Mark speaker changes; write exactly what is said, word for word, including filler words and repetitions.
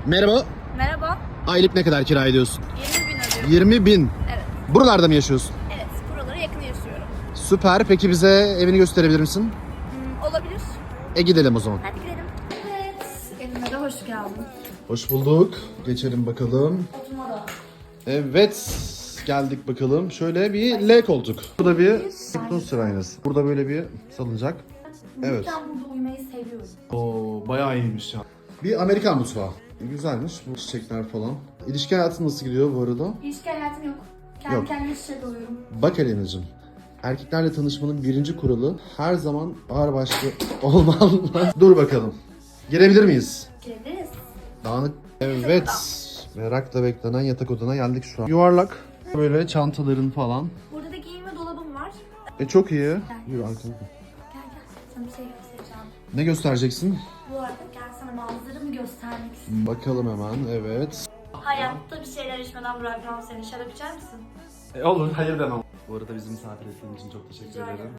Speaker 1: Merhaba.
Speaker 2: Merhaba.
Speaker 1: Aylık ne kadar kira ediyorsun?
Speaker 2: yirmi bin ödüyorum.
Speaker 1: yirmi bin.
Speaker 2: Evet.
Speaker 1: Buralarda mı yaşıyorsun?
Speaker 2: Evet. Buralara yakın yaşıyorum.
Speaker 1: Süper. Peki bize evini gösterebilir misin?
Speaker 2: Hmm, olabilir.
Speaker 1: E gidelim o zaman.
Speaker 2: Hadi gidelim. Evet. Evime de hoş geldin.
Speaker 1: Hoş bulduk. Geçelim bakalım.
Speaker 2: Oturma da.
Speaker 1: Evet. Geldik bakalım. Şöyle bir L koltuk. Burada bir fitness aynası. Burada böyle bir salıncak. Evet.
Speaker 2: Ben burada uyumayı seviyorum.
Speaker 1: Oo, bayağı iyiymiş ya. Bir Amerikan mutfağı. Güzelmiş bu çiçekler falan. İlişki hayatın nasıl gidiyor bu arada?
Speaker 2: İlişki hayatım yok. Kendi
Speaker 1: Yok.
Speaker 2: kendime şişe doluyorum.
Speaker 1: Bak Elena'cığım. Erkeklerle tanışmanın birinci kuralı her zaman ağırbaşlı olmalı. Dur bakalım. Girebilir miyiz?
Speaker 2: Girebiliriz.
Speaker 1: Dağınık. Evet. Merakla beklenen yatak odana geldik şu an. Yuvarlak. Böyle çantaların falan.
Speaker 2: Burada da giyinme dolabım var.
Speaker 1: E çok iyi. Yürü arkana.
Speaker 2: Gel gel. Sana bir şey göstereceğim.
Speaker 1: Ne göstereceksin?
Speaker 2: Bu arada gel sana manzaramı göstermek istiyorum.
Speaker 1: Bakalım hemen. Evet.
Speaker 2: Hayatta bir şeyler içmeden bırakmam seni. Şarap içer misin?
Speaker 1: E, olur. Hayır demem. Bu arada bizi misafir ettiğin için çok teşekkür
Speaker 2: Rica ederim.
Speaker 1: ederim.